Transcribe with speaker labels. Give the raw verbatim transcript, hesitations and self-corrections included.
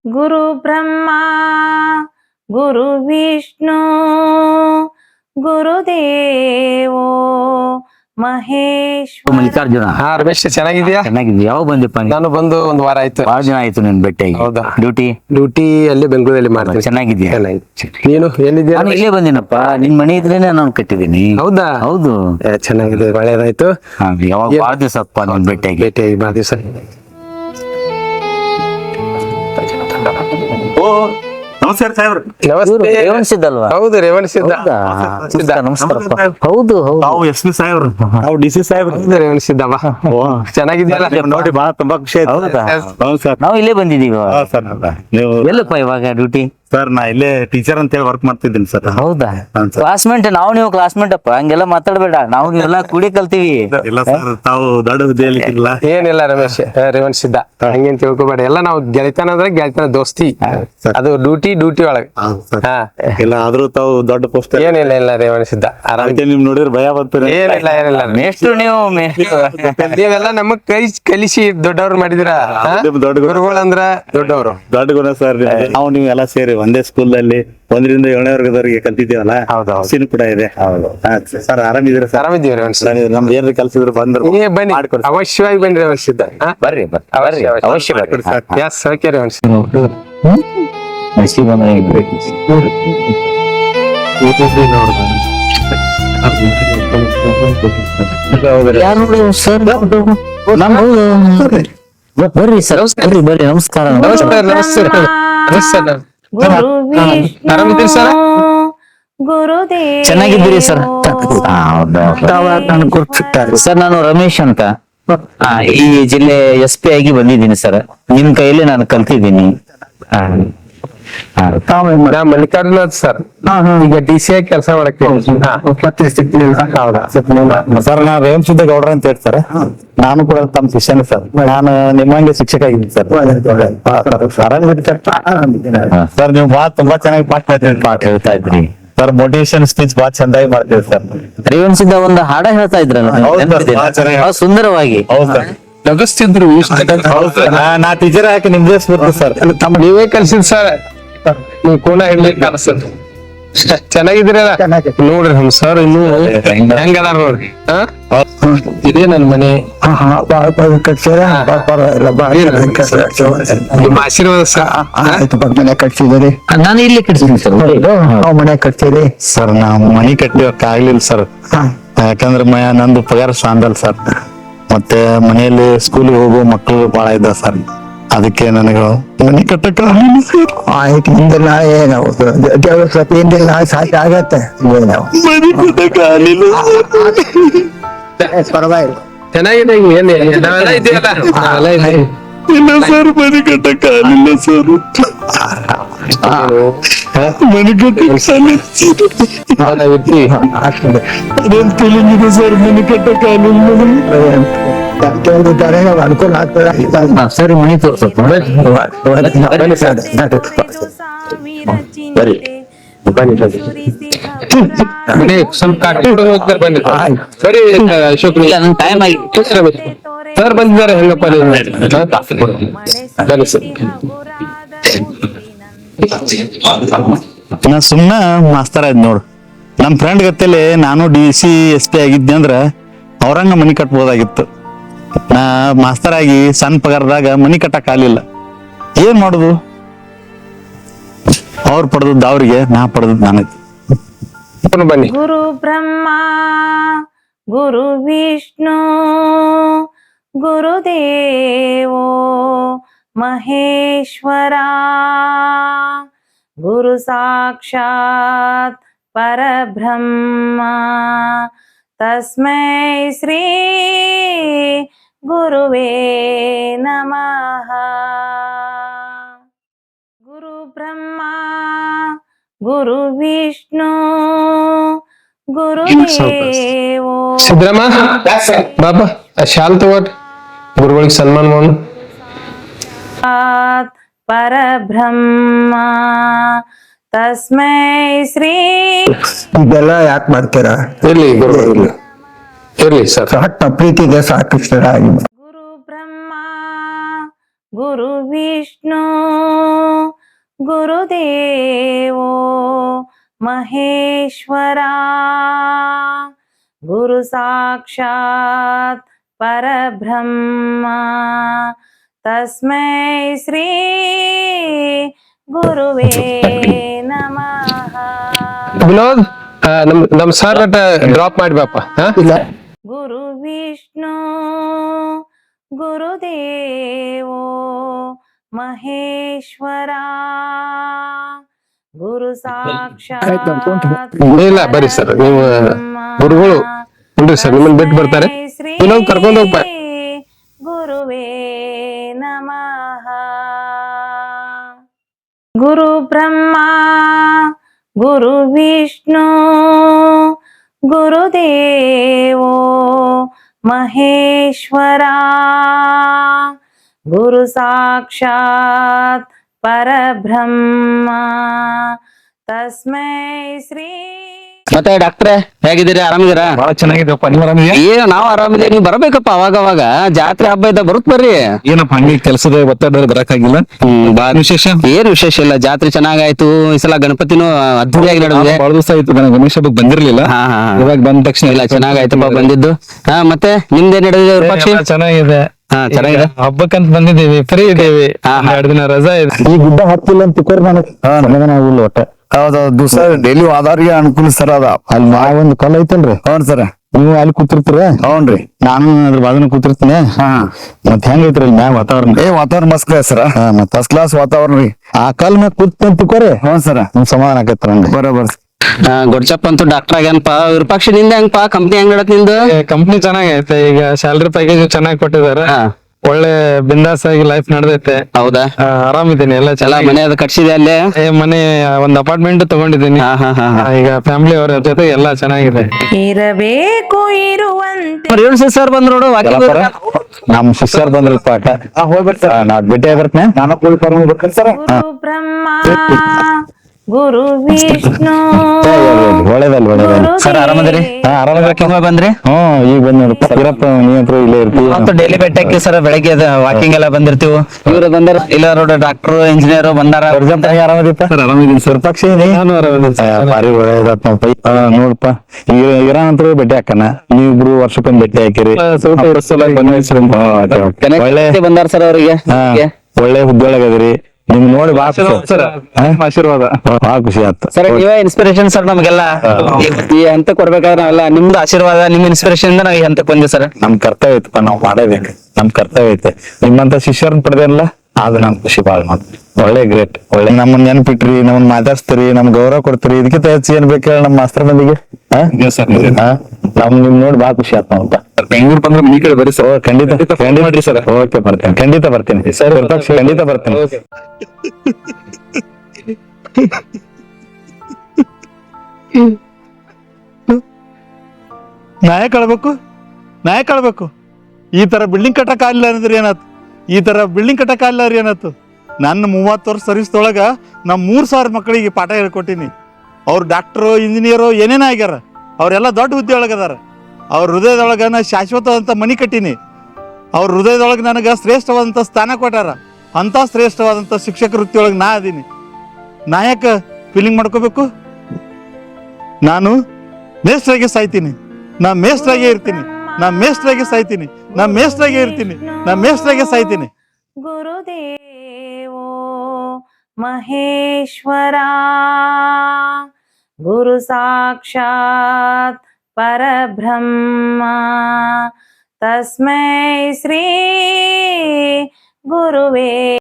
Speaker 1: ಗುರು ಬ್ರಹ್ಮ ಗುರು ವಿಷ್ಣು ಗುರುದೇವೋ ಮಹೇಶ್ವರ.
Speaker 2: ಮಲ್ಲಿಕಾರ್ಜುನ.
Speaker 3: ಹಾ ರಮೇಶ್ ಚೆನ್ನಾಗಿದ್ಯಾ?
Speaker 2: ಚೆನ್ನಾಗಿದ್ಯಾ? ಯಾವಾಗ ಬಂದಿಪ್ಪ ನೀನು?
Speaker 3: ನಾನು ಬಂದು ಒಂದ್ ವಾರ ಆಯ್ತು.
Speaker 2: ಬಹಳ ದಿನ ಆಯ್ತು ನಿನ್ ಭೇಟಿಯಾಗಿ.
Speaker 3: ಹೌದಾ?
Speaker 2: ಡ್ಯೂಟಿ
Speaker 3: ಡ್ಯೂಟಿ ಅಲ್ಲಿ ಬೆಂಗಳೂರಲ್ಲಿ ಮಾಡ್ತೀನಿ.
Speaker 2: ಚೆನ್ನಾಗಿದ್ಯಾ?
Speaker 3: ನೀನು ಎಲ್ಲಿದ್ಯಾ?
Speaker 2: ನಾನು ಇಲ್ಲೇ ಬಂದಿನಪ್ಪ, ನಿನ್ ಮನೆ ಇದ್ರೇನೆ ನಾನು ಕಟ್ಟಿದ್ದೀನಿ.
Speaker 3: ಹೌದಾ?
Speaker 2: ಹೌದು.
Speaker 3: ಏ, ಚೆನ್ನಾಗಿದೆ, ಒಳ್ಳೇದಾಯ್ತು.
Speaker 2: ಹಾ, ಯಾವಾಗ ಬಾಳ ದಿವಸ ಅಪ್ಪ ನಿನ್ ಭೇಟಿಯಾಗಿ.
Speaker 3: ಭೇಟಿಯಾಗಿ ಬಾಳ ದಿವಸ.
Speaker 4: ಓ ನಮಸ್ಕಾರ ಸಾಹೇಬ್ರು.
Speaker 3: ನಮಸ್ತೆ.
Speaker 2: ರೇವಣಸಿದ್ದಲ್ವಾ?
Speaker 3: ಹೌದು ರೇವಣಸಿದ್ದ.
Speaker 2: ಹೌದಾ? ನಮಸ್ಕಾರಪ್ಪ. ಹೌದು ಹೌದು.
Speaker 4: ನಾವು ಎಸ್ ಪಿ ಸಾಹೇಬ್ರು, ನಾವು ಡಿ ಸಿ ಸಾಹೇಬ್ರು.
Speaker 3: ಹೌದು ರೇವಣಸಿದ್ದವ. ಚೆನ್ನಾಗಿದ್ಯಲ್ಲ?
Speaker 4: ನೋಡಿ ಬಹಳ ತುಂಬಾ ಖುಷಿ ಆಯ್ತು.
Speaker 2: ಹೌದಾ?
Speaker 4: ಹೌದು ಸರ್.
Speaker 2: ನಾವು ಇಲ್ಲೇ ಬಂದಿದೀವಿ.
Speaker 4: ಹೌದು ಸರ್. ನೀವು
Speaker 2: ಎಲ್ಲಪ್ಪ ಇವಾಗ ಡ್ಯೂಟಿ?
Speaker 4: ಸರ್ ನಾ ಇಲ್ಲೇ ಟೀಚರ್ ಅಂತ ಹೇಳಿ ವರ್ಕ್ ಮಾಡ್ತಿದ್ದೀನಿ ಸರ್.
Speaker 2: ಹೌದಾ?
Speaker 4: ಹೌದು ಸರ್.
Speaker 2: ಕ್ಲಾಸ್ಮೇಟ್ ನಾವು ನೀವು ಕ್ಲಾಸ್ಮೇಟ್ ಅಪ್ಪ, ಹಂಗೆಲ್ಲ ಮಾತಾಡ್ಬೇಡ. ನಾವು ನೀವೆಲ್ಲ ಕೂಡಿ ಕಲ್ತೀವಿ.
Speaker 4: ಇಲ್ಲ ಸರ್, ತಾವು ದೊಡ್ಡ ಹುದ್ದೆಯಲ್ಲಿ ಇಲ್ಲ.
Speaker 3: ಏನಿಲ್ಲ ರಮೇಶ್, ರೇವಣಸಿದ್ದ ಹಂಗೇನ್ ತಿಳ್ಕೊಬೇಡ. ಎಲ್ಲ ನಾವು ಗೆಳೆತನ ಅಂದ್ರೆ ಗೆಳೆತನ ದೋಸ್ತಿ. ಅದು ಡ್ಯೂಟಿ ಡ್ಯೂಟಿ ಒಳಗೆ.
Speaker 4: ಹೌದು ಸರ್.
Speaker 3: ಹಾ
Speaker 4: ಇಲ್ಲ ಆದ್ರೂ ತಾವು ದೊಡ್ಡ ಪೋಸ್ಟ್.
Speaker 3: ಏನಿಲ್ಲ ಇಲ್ಲ ರೇವಣಸಿದ್ದ ಆರಾಮ.
Speaker 4: ಅದಕ್ಕೆ ನಿಮ್ ನೋಡಿದ್ರೆ ಭಯ ಬರ್ತಾರೆ.
Speaker 3: ಏನಿಲ್ಲ ಏನಿಲ್ಲ
Speaker 2: ಮೇಷ್ಟ್ರು ನೀವು ಮೇಷ್ಟ್ರು.
Speaker 3: ನೀವೆಲ್ಲ ನಮಗ್ ಕೈ ಕಲಿಸಿ ದೊಡ್ಡವ್ರು ಮಾಡಿದಿರ.
Speaker 4: ನಿಮ್ ದೊಡ್ಡ
Speaker 3: ಗುರುಗಳಂದ್ರ ದೊಡ್ಡವರು.
Speaker 4: ದೊಡ್ಡ ಗುಣ ಸರ್. ನಾವು ನೀವು ಎಲ್ಲ ಸೇರಿ ಒಂದೇ ಸ್ಕೂಲ್ ಅಲ್ಲಿ ಒಂದರಿಂದ ಏಳನೇ ವರ್ಗದವರೆಗೆ ಕಲ್ತಿದ್ದೀವಲ್ಲ.
Speaker 3: ಹೌದು, ಹೌದು.
Speaker 4: ಸೀನ್ ಕೂಡ ಇದೆ. ಸರ್ ಆರಾಮಿದ್ದೀರಾ ಸರ್?
Speaker 3: ಆರಾಮಿದ್ದೀವಿ ರೇವಣಸಿದ್ದ.
Speaker 4: ನಮ್ದು ಏನಾದ್ರು ಕೆಲಸ ಇದ್ರೆ ಬಂದ್ರೆ
Speaker 3: ನೀವೇ ಬನ್ನಿ, ಅವಶ್ಯವಾಗಿ ಬನ್ನಿ ರೇವಣಸಿದ್ದ.
Speaker 2: ಬರ್ರಿ ಬರ್ರಿ ಬರ್ರಿ, ಅವಶ್ಯ ಬರ್ರಿ.
Speaker 3: Yes okay Revanasidda.
Speaker 2: ಯಾರು ನೋಡಿ ಸರ್? ನಾನು ಬರ್ರಿ ಸರ್, ಬರ್ರಿ ಬರ್ರಿ. ನಮಸ್ಕಾರ.
Speaker 3: ನಮಸ್ಕಾರ ನಮಸ್ತೆ ನಮಸ್ತೆ.
Speaker 1: ಗುರು ವಿಷ್ಣು
Speaker 3: ಆರಾಮಿದ್ದೀರಿ ಸರ್?
Speaker 1: ಗುರುದೇವೋ
Speaker 2: ಚೆನ್ನಾಗಿದ್ದೀರಿ ಸರ್? ಸರ್ ನಾನು ರಮೇಶ್ ಅಂತ, ಆ, ಈ ಜಿಲ್ಲೆ ಎಸ್ ಪಿ ಆಗಿ ಬಂದಿದ್ದೀನಿ ಸರ್. ನಿಮ್ ಕೈಯಲ್ಲಿ ನಾನು ಕಲ್ತಿದ್ದೀನಿ. ಆ, ಆ,
Speaker 3: ನಾ ಮಲ್ಲಿಕಾರ್ಜುನ ಸರ್. ಈಗ ಡಿ ಸಿ ಆಗಿ ಕೆಲಸ ಮಾಡಕ್ಕೆ. ಹೌದಾ?
Speaker 4: ಸರ್ ನಾ ರೇವಣಸಿದ್ದ ಗೌಡ್ರ ಅಂತ ಹೇಳ್ತಾರೆ. ನಾನು ಕೂಡ ತಮ್ಮ ಶಿಷ್ಯನೇ ಸರ್. ನಾನು ನಿಮ್ಮಂಗೆ ಶಿಕ್ಷಕ ಆಗಿದ್ದೀನಿ ಸರ್. ಸರ್ ನೀವು ಬಹಳ ತುಂಬಾ ಚೆನ್ನಾಗಿ ಪಾಠ ಹೇಳ್ತೀರಿ.
Speaker 2: ಪಾಠ ಹೇಳ್ತಾ ಇದ್ರಿ
Speaker 4: ಸರ್. ಮೋಟಿವೇಶನ್ ಸ್ಪೀಚ್ ಬಹಳ ಚಂದಾಗಿ ಮಾಡ್ತೀವಿ ಸರ್.
Speaker 2: ರೇವಣಸಿದ್ದ ಒಂದು ಹಾಡ ಹೇಳ್ತಾ ಇದ್ರಲ್ಲ,
Speaker 4: ಹೌದು ಸರ್,
Speaker 2: ನೆನಪಿದೆಯಾ?
Speaker 4: ಬಹಳ ಚೆನ್ನಾಗಿ.
Speaker 2: ಬಹಳ ಸುಂದರವಾಗಿ.
Speaker 4: ಹೌದು ಸರ್.
Speaker 3: ನಗಸ್ತಿದ್ರು.
Speaker 4: ಹೌದು ಸರ್. ನಾ- ನಾ ಟೀಚರ್ ಹಾಕಿ ನಿಮ್ದೇ ಸ್ಫೂರ್ತಿ ಸರ್.
Speaker 3: ನೀವೇ ಕಲ್ಸಿದ್ ಸರ್. ನೀವು ಕೋಣ ಹಿಡ್ಲಿಕ್ಕೆ ಅನ್ಸತ್. ಚೆನ್ನಾಗಿದ್ದೀರಲ್ಲ? ನೋಡ್ರಿ ನಮ್ ಸರ್ ಇನ್ನು ಹೆಂಗದಾರ ನೋಡ್ರಿ. ಹಾ ಇದೇ ನನ್ ಮನೆ. ನಿಮ್ಮ ಆಶೀರ್ವಾದ ಸರ್.
Speaker 2: ನಾನು ಇಲ್ಲಿ ಕಟ್ತೀನಿ ಸರ್.
Speaker 5: ಮನೆ ಕಟ್ತೀರಿ
Speaker 4: ಸರ್ ನಾ ಮನಿ ಕಟ್ಟಿವಕ್ ಆಗ್ಲಿಲ್ಲ ಸರ್. ಯಾಕಂದ್ರೆ ಮ ನಂದು ಪಗಾರ ಸಾಂದಲ್ ಸರ್. ಮತ್ತೆ ಮನೆಯಲ್ಲಿ ಸ್ಕೂಲಿಗೆ ಹೋಗೋ ಮಕ್ಕಳು ಬಹಳ ಇದ್ದಾವ ಸರ್. ಅದಕ್ಕೆ ನನಗೆ ಮನೆ ಕಟ್ಟಕ್ಕ
Speaker 5: ಆಯ್ತು. ಹಿಂದೆಲ್ಲ ಏನು ದೇವ್ರ ಸ್ವಲ್ಪ ಹಿಂದೆಲ್ಲ ಸಾಧ್ಯ ಆಗತ್ತೆ. ನಾವು
Speaker 4: ಮನೆ ಕಟ್ಟಕ್ಕ ಆಗ್ಲಿಲ್ಲ.
Speaker 5: ಪರವಾಗಿಲ್ಲ.
Speaker 3: ಚೆನ್ನಾಗಿದೆ. ಏನ್ ನಾವೆಲ್ಲ ಇದೀವಲ್ಲ, ನಾವೆಲ್ಲ ಇದೀವಿ.
Speaker 4: ಇಲ್ಲ ಸರ್, ಮನೆ ಕಟ್ಟಕ್ಕ ಆಗ್ಲಿಲ್ಲ ಸರ್. ಮನೆ ಕಟ್ಟಕ್ಕೆ
Speaker 3: ನಾವ್ ಇರ್ತೀವಿ.
Speaker 4: ಅದೇನ್ ತಿಳಿದಿದೆ ಸರ್. ಮನೆ ಕಟ್ಟಕ್ಕ ಆಗ್ಲಿಲ್ಲ.
Speaker 5: ಕೇಳಿದ್ದಾರೆ ಅನುಕೂಲ ಆಗ್ತದೆ.
Speaker 2: ಹಾ, ಸರಿ ಮನೆ ತೋರ್ಸಪ್ಪ.
Speaker 3: ಬನ್ನಿ ಸರ್.
Speaker 2: ಬರ್ರಿ.
Speaker 3: ಬನ್ನಿ, ಸ್ವಲ್ಪ ಕಾಟಿ ಕೂಡ ಹೋಗ್ತಾರೆ. ಬನ್ನಿ ಸರಿ ಅಶೋಕ್.
Speaker 2: ಇಲ್ಲ, ನನ್ ಟೈಮ್ ಆಗಿ
Speaker 3: ಸರ್ ಬಂದಿದ್ದಾರೆ. ಹೆಂಗಪ್ಪ ನೀವು? ಬನ್ನಿ ಸರ್.
Speaker 4: ನಾ ಸುಮ್ನ ಮಾಸ್ತರ ಇದ್ ನೋಡು. ನಮ್ ಫ್ರೆಂಡ್ ಗತ್ತಲೆ ನಾನು ಡಿ ಸಿ ಎಸ್ ಪಿ ಆಗಿದ್ದೆ ಅಂದ್ರ ಅವ್ರಂಗ ಮನಿ ಕಟ್ಬೋದಾಗಿತ್ತು. ನಾ ಮಾಸ್ತರ್ ಆಗಿ ಸಣ್ಣ ಪಗಾರದಾಗ ಮನಿ ಕಟ್ಟಕ್ ಆಗ್ಲಿಲ್ಲ. ಏನ್ ಮಾಡುದು? ಅವ್ರು ಪಡೆದದ್ದು ಅವ್ರಿಗೆ, ನಾ ಪಡೆದದ್ದು ನನಗೆ.
Speaker 3: ಬನ್ನಿ.
Speaker 1: ಗುರು ಬ್ರಹ್ಮ ಗುರು ವಿಷ್ಣು ಗುರುದೇವೋ ಮಹೇಶ್ವರ. ಗುರು ಸಾಕ್ಷಾತ್ ಪರಬ್ರಹ್ಮ ತಸ್ಮೈ ಶ್ರೀ ಗುರುವೇ ನಮಃ. ಗುರು ಬ್ರಹ್ಮ ಗುರು ವಿಷ್ಣು ಗುರುದೇವೋ.
Speaker 3: ಸಿದ್ರಾಮ ಬಾಬಾ ಆ ಶಾಲ್ ತಗೋಟ್ ಗುರುಗಳಿಗೆ ಸನ್ಮಾನ ಮಾಡು.
Speaker 1: ಪರಬ್ರಹ್ಮ ತಸ್ಮೈ ಶ್ರೀ.
Speaker 5: ಇದೆಲ್ಲ ಯಾಕೆ ಮಾಡ್ತೀರಾ?
Speaker 3: ಇರ್ಲಿ ಗುರುಗಳು, ಇರ್ಲಿ ಸರ್.
Speaker 5: ಸಾಕು ಪ್ರೀತಿಗೆ ಸಾಕು ಇಷ್ಟ.
Speaker 1: ಗುರು ಬ್ರಹ್ಮ गुरु विष्णु गुरुदेवो महेश्वरा गुरु साक्षात् परब्रह्म तस्मै श्री गुरुवे नमः
Speaker 3: ವಿನೋದ್ ಆ, ನಮ್ ನಮ್ ಸರ್ ಡ್ರಾಪ್ ಮಾಡ್ಬೇಕಪ್ಪ ಹಾ
Speaker 5: ಇಲ್ಲ
Speaker 1: गुरु विष्णु गुरुदेवो महेश्वरा गुरु
Speaker 5: ಆಯ್ತು, ಅನ್ಕೊಂಡ್ರು.
Speaker 1: साक्षात्
Speaker 3: ಇಲ್ಲ ಬರ್ರಿ ಸರ್ ನೀವು ಗುರುಗಳು ಉಂಡ್ರಿ ಸರ್ ನಿಮ್ಮನ್ನ ಬಿಟ್ಟು ಬರ್ತಾರೆ ವಿನೋದ್ ಕರ್ಕೊಂಡು ಹೋಗ್ಬ
Speaker 1: गुरुवे नमः गुरु ब्रह्मा गुरु विष्णु गुरुदेवो महेश्वरा गुरु साक्षात् परब्रह्म तस्मै श्री
Speaker 6: ಮತ್ತೆ ಡಾಕ್ಟ್ರೆ ಹೇಗಿದ್ದೀರಿ ಆರಾಮಿದ್ದೀರಾ?
Speaker 4: ಬಹಳ ಚೆನ್ನಾಗಿದೆಪ್ಪ ನೀವು ಆರಾಮಿದ್ಯಾ?
Speaker 6: ಏನು ನಾವು ಆರಾಮಿದ್ದೀವಿ, ನೀವು ಬರ್ಬೇಕಪ್ಪ ಅವಾಗ ಅವಾಗ ಜಾತ್ರೆ ಹಬ್ಬ ಇದ್ದ ಬರುತ್ ಬರ್ರಿ.
Speaker 4: ಏನಪ್ಪ ಹಂಗೆ ಕೆಲಸದ ಒತ್ತಡ ಬರಕಾಗಿಲ್ಲ.
Speaker 6: ಹ್ಮ್ ಬಾ
Speaker 4: ವಿಶೇಷ
Speaker 6: ಏನು ವಿಶೇಷ ಇಲ್ಲ, ಜಾತ್ರೆ ಚೆನ್ನಾಗಾಯ್ತು. ಈ ಸಲ ಗಣಪತಿನೂ ಅದ್ದೂರಿಯಾಗಿ ನಡೆದಿದೆ.
Speaker 4: ಬಹಳ ದಿವಸ ಆಯ್ತು ನನಗೆ ಗಣೇಶ ಹಬ್ಬಕ್ಕೆ ಬಂದಿರ್ಲಿಲ್ಲ.
Speaker 6: ಹಾ ಹಾ ಹಾ.
Speaker 4: ಇವಾಗ ಬಂದ ತಕ್ಷಣ
Speaker 6: ಇಲ್ಲ ಚೆನ್ನಾಗಾಯ್ತಪ್ಪ ಬಂದಿದ್ದು. ಹಾ ಮತ್ತೆ ನಿಮ್ದೇನ್ ನಡೆದಿದೆ ವಿರೂಪಾಕ್ಷಿ?
Speaker 3: ಚೆನ್ನಾಗಿದೆ
Speaker 6: ಹಾ ಚೆನ್ನಾಗಿದೆ.
Speaker 3: ಹಬ್ಬಕ್ಕಂತ ಬಂದಿದ್ದೀವಿ, ಫ್ರೀ ಇದೀವಿ,
Speaker 6: ಹಾ, ಹಾ.
Speaker 3: ಎರಡು ದಿನ ರಜಾ ಇದೆ.
Speaker 5: ಈ ಗುಡ್ಡ ಹತ್ತಿಲ್ಲ ಅಂತ ತಿಕ್ಕೋರ್ ನನಗೆ ಸಮಾಧಾನ ಆಗಿಲ್ಲ ಒಟ್ಟ.
Speaker 7: ಹೌದೌದು ದಿವಸ ಡೈಲಿ ಆದವ್ರಿಗೆ ಅನುಕೂಲ ಸರ್ ಅದ.
Speaker 5: ಅಲ್ಲಿ ಮ್ಯಾಗ ಒಂದ್ ಕಲ್ ಐತಲ್ರಿ,
Speaker 7: ಹೌನ್ ಸರ್,
Speaker 5: ನೀವು ಅಲ್ಲಿ ಕೂತಿರ್ತೀರ,
Speaker 7: ಹೌನ್ರಿ.
Speaker 5: ನಾನು ಅದ್ರ ಬಾಜುನ ಕೂತಿರ್ತೀನಿ.
Speaker 7: ಹಾ
Speaker 5: ಮತ್ ಹೆಂಗೈತ್ರಿ ಅಲ್ಲಿ ಮ್ಯಾಗ ವಾತಾವರಣ?
Speaker 7: ಏ ವಾತಾವರಣ ಮಸ್ತ್ ಕ್ಲಾಸ್ ಸರ್,
Speaker 5: ಹಾ, ಮತ್
Speaker 7: ಫಸ್ಟ್ ಕ್ಲಾಸ್ ವಾತಾವರಣ ರೀ.
Speaker 5: ಆ ಕಲ್ ಮ್ಯಾಗ ಕೂತ್ ತಿಕ್ಕೋರಿ,
Speaker 7: ಹೌನ್ ಸರ್,
Speaker 5: ನಿಮ್ ಸಮಾಧಾನ ಆಕೈತ್ರ ಹಂಗ.
Speaker 7: ಬರೋಬರ್.
Speaker 6: ಹಾ, ಗೊಡ್ಚಪ್ಪ ಅಂತೂ ಡಾಕ್ಟರ್ ಆಗ್ಯಾನಪ್ಪ. ವಿರೂಪಾಕ್ಷಿ ನಿಂದ ಹೆಂಗಪ್ಪ, ಕಂಪ್ನಿ ಹೆಂಗ್ ನಡತ್ ನಿಂದು?
Speaker 3: ಕಂಪ್ನಿ ಚೆನ್ನಾಗೈತೆ, ಈಗ ಸ್ಯಾಲರಿ ಪ್ಯಾಕೇಜ್ ಚೆನ್ನಾಗಿ ಕೊಟ್ಟಿದ್ದಾರೆ,
Speaker 6: ಹಾ
Speaker 3: ಒಳ್ಳೆ ಬಿಂದಾಸ್ ಆಗಿ ಲೈಫ್ ನಡೆದೈತೆ.
Speaker 6: ಹೌದಾ?
Speaker 3: ಆ, ಆರಾಮಿದ್ದೀನಿ, ಎಲ್ಲ
Speaker 6: ಎಲ್ಲ
Speaker 3: ಚೆನ್ನಾಗಿ.
Speaker 6: ಮನೆ ಅದು ಕಟ್ಸಿದೆ ಅಲ್ಲೇ?
Speaker 3: ಏ, ಮನೆ ಒಂದ್ ಅಪಾರ್ಟ್ಮೆಂಟ್ ತಗೊಂಡಿದ್ದೀನಿ.
Speaker 6: ಹಾ ಹಾ ಹಾ ಹಾ.
Speaker 3: ಆ, ಈಗ ಫ್ಯಾಮಿಲಿ ಅವರ ಜೊತೆ ಎಲ್ಲ ಚೆನ್ನಾಗಿದೆ.
Speaker 1: ಇರಬೇಕು ಇರುವಂತೆ
Speaker 6: ರೇಣು ಸರ್ ಬಂದ್ ನೋಡು ವಾಕಿಂಗ್
Speaker 5: ನಮ್ ಶಿಷ್ಯರ್ ಬಂದ್ರಲ್ಪ ಆಟ ನಾ ಭೇಟಿ ಆಗಿರ್ತೇನೆ. ನಾನು ಕೂಲಿ ಫಾರ್ಮ್ ಬರ್ತೀನಿ ಸರ್.
Speaker 1: ಗುರು ಬ್ರಹ್ಮ ಗುರು ವಿಷ್ಣು
Speaker 5: ಒಳ್ಳೇದಲ್ ಒಳ್ಳೇದಲ್
Speaker 6: ಸರ್ ಆರಾಮದಿರಿ?
Speaker 5: ಹಾ ಆರಾಮ
Speaker 6: ಬಂದ್ರಿ?
Speaker 5: ಹ್ಮ್ ಈಗ ಬಂದ್ ನೋಡಪ್ಪ. ಇರಪ್ಪ ನೀವಂತ್ರು ಇಲ್ಲೇ ಇರ್ತೀವಿ.
Speaker 6: ಡೈಲಿ ಬೆಟ್ಟಕ್ಕೆ ಸರ್ ಬೆಳಗ್ಗೆ ವಾಕಿಂಗ್ ಎಲ್ಲ ಬಂದಿರ್ತೀವಿ. ಇವ್ರು ಬಂದಾರ ಇಲ್ಲ ನೋಡ್ರಿ, ಡಾಕ್ಟರ್ ಇಂಜಿನಿಯರ್ ಬಂದಾರ.
Speaker 5: ಆರಾಮದಿಪ್ಪ?
Speaker 7: ಸರ್ ಆರಾಮಿದ್ದೀನಿ ಸರ್.
Speaker 5: ಪಕ್ಷಿ
Speaker 3: ನಾನು ಆರಾಮಿದ್ದೀನಿ ಸರ್.
Speaker 5: ಭಾರಿ ಒಳ್ಳೇದತ್ ನೋಡಪ್ಪ. ಹಾ, ನೋಡಪ್ಪ ಈಗ ಇರಾನಂತರೂ ಭೇಟಿ ಹಾಕನ, ನೀವಿಬ್ರು ವರ್ಷಕ್ಕೊಂದ್ ಭೇಟಿ ಹಾಕಿರಿ. ಒಳ್ಳೆ
Speaker 6: ಬಂದಾರ ಸರ್ ಅವ್ರಿಗೆ.
Speaker 5: ಹಾ, ಒಳ್ಳೆ ಹುದ್ದೆ ಒಳಗದಿರಿ. ನಿಮ್ ನೋಡಿ ಬಾಳ
Speaker 3: ಸರ್, ನಿಮ್ಮ ಆಶೀರ್ವಾದ.
Speaker 5: ಬಾಳ ಖುಷಿ ಆಯ್ತು
Speaker 6: ಸರ್ ನೀವೇ ಇನ್ಸ್ಪಿರೇಷನ್ ಸರ್ ನಮಗೆಲ್ಲ. ಈ ಹಂತಕ್ಕೆ ಕೊಡ್ಬೇಕಾದ್ರೆ ನಾವೆಲ್ಲ ನಿಮ್ದು ಆಶೀರ್ವಾದ, ನಿಮ್ ಇನ್ಸ್ಪಿರೇಷನ್ ಇಂದ ನಾವ್ ಈ ಹಂತಕ್ಕೆ ಬಂದಿವಿ ಸರ್.
Speaker 5: ನಮ್ ಕರ್ತವ್ಯ ಐತಪ್ಪ, ನಾವ್ ಮಾಡಬೇಕು, ನಮ್ ಕರ್ತವ್ಯ ಐತೆ. ನಿಮ್ಮಂತ ಶಿಷ್ಯರನ್ನ ಪಡೆದಿರಲ್ಲ, ಅದು ನಮ್ ಖುಷಿ ಬಾಳ ಮಾತು. ಒಳ್ಳೆ ಗ್ರೇಟ್, ಒಳ್ಳೆ ನಮ್ಮನ್ನ ನೆನ್ಪಿಟ್ರಿ, ನಮ್ಮನ್ನ ಮಾತಾಡ್ಸ್ತೀರಿ, ನಮ್ ಗೌರವ ಕೊಡ್ತೀರಿ. ಇದಕ್ಕಿಂತ ಹೆಚ್ಚು ಏನ್ ಬೇಕು ಹೇಳಿ ನಮ್ಮ ಮಾಸ್ತರ್ ಮಂದಿಗೆ? ನಮ್ ನಿಮ್ ನೋಡಿ ಬಾಳ ಖುಷಿ ಆಯ್ತು ನೋಡಪ್ಪ.
Speaker 7: ಬೆಂಗಳೂರು ಬಂದ್ರೆ ಮನಿ ಕಡೆ ಬರೀ ಸರ್.
Speaker 5: ಓ, ಖಂಡಿತ ಖಂಡಿತ ಮಾಡ್ರಿ ಸರ್. ಓಕೆ ಬರ್ತೀನಿ, ಖಂಡಿತ ಬರ್ತೀನಿ ಸರ್. ಖಂಡಿತ ಬರ್ತೀನಿ.
Speaker 4: ನ್ಯಾಯ ಕಳ್ಬೇಕು, ನ್ಯಾಯ ಕಳ್ಬೇಕು. ಈ ತರ ಬಿಲ್ಡಿಂಗ್ ಕಟ್ಟಕ್ ಆಗಿಲ್ಲ ಅಂದ್ರೆ ಏನಾಯ್ತು? ಈ ತರ ಬಿಲ್ಡಿಂಗ್ ಕಟ್ಟಕ್ ಆಗಿಲ್ಲ ಅಂದ್ರೆ ಏನಾಯ್ತು? ನನ್ನ ಮೂವತ್ತು ವರ್ಷ ಸರ್ವಿಸ್ದೊಳಗ ನಾ ಮೂರ್ ಸಾವಿರ ಮಕ್ಕಳಿಗೆ ಪಾಠ ಹೇಳ್ಕೊಟ್ಟಿನಿ. ಅವ್ರು ಡಾಕ್ಟ್ರು, ಇಂಜಿನಿಯರು, ಏನೇನ ಆಗ್ಯಾರ. ಅವರೆಲ್ಲ ದೊಡ್ಡ ಹುದ್ದೆ ಒಳಗದಾರ. ಅವ್ರ ಹೃದಯದೊಳಗ ನಾ ಶಾಶ್ವತವಾದಂಥ ಮನಿ ಕಟ್ಟೀನಿ. ಅವ್ರ ಹೃದಯದೊಳಗೆ ನನಗೆ ಶ್ರೇಷ್ಠವಾದಂಥ ಸ್ಥಾನ ಕೊಟ್ಟಾರ. ಅಂಥ ಶ್ರೇಷ್ಠವಾದಂಥ ಶಿಕ್ಷಕ ವೃತ್ತಿಯೊಳಗೆ ನಾ ಅದೀನಿ. ನಾ ಯಾಕೆ ಫೀಲಿಂಗ್ ಮಾಡ್ಕೋಬೇಕು? ನಾನು ಮೇಸ್ಟ್ರಾಗೆ ಸಾಯ್ತೀನಿ, ನಾ ಮೇಸ್ಟ್ರಾಗೆ ಇರ್ತೀನಿ, ನಾ ಮೇಸ್ಟ್ರಾಗೆ ಸಾಯ್ತೀನಿ, ನಾ ಮೇಸ್ಟ್ರಾಗೆ ಇರ್ತೀನಿ, ನಾ ಮೇಸ್ಟ್ರಾಗೆ ಸಾಯ್ತೀನಿ.
Speaker 1: ಗುರುದೇವೋ ಮಹೇಶ್ವರ ಗುರು ಸಾಕ್ಷಾತ್ ಪರಬ್ರಹ್ಮ ತಸ್ಮೈ ಶ್ರೀ ಗುರುವೇ